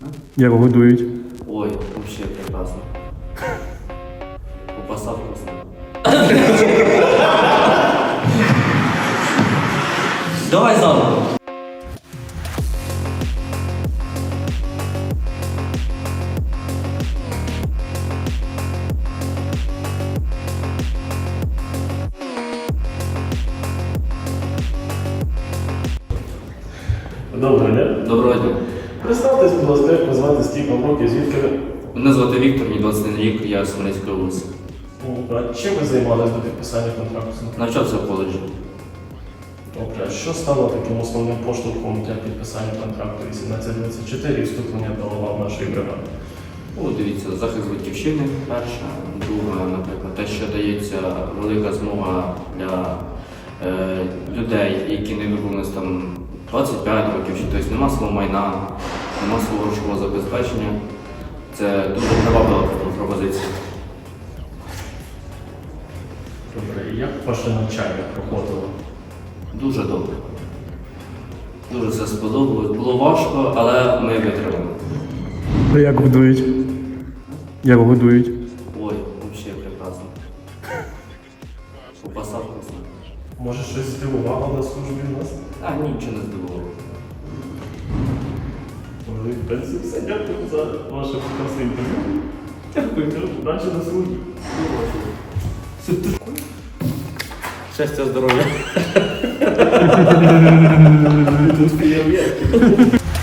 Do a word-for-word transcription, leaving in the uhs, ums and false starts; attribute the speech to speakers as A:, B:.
A: Як годують?
B: Ой, вообще прекрасно. Упаса вкусно. Давай заново.
C: Доброго дня.
B: Доброго дня.
C: Представтесь, будь ласка, як вас звати, скільки вам років, звідки ви?
B: Мене звати Віктор, мені двадцять один рік, я з Хмельницької області.
C: А чим ви займалися до підписання контракту?
B: Навчався в коледжі.
C: Добре, а що стало таким основним поштовхом для підписання контракту вісімнадцять двадцять чотири і вступлення до лав нашої бригади?
B: Ну, дивіться, захист батьківщини перша, друга, наприклад, те, що дається велика змога для е, людей, які не виповнились там двадцять п'ять років, чи тобто нема свого майна, нема свого грошового забезпечення. Це дуже приваблива пропозиція.
C: Добре, і як ваше навчання проходило?
B: Дуже добре. Дуже все сподобалось. Було важко, але ми витримали.
A: А як годують? Як годують?
B: Ой, взагалі прекрасно. Упаса вкусно.
C: Може щось здивувало на службі в нас?
B: А, нічого не здивувало.
C: Може, в принципі, все. Дякую за ваше прекрасне інтерв'ю. Дякую, удачі на службі.
B: Щастя, здоров'я.
C: Тут феєрверки.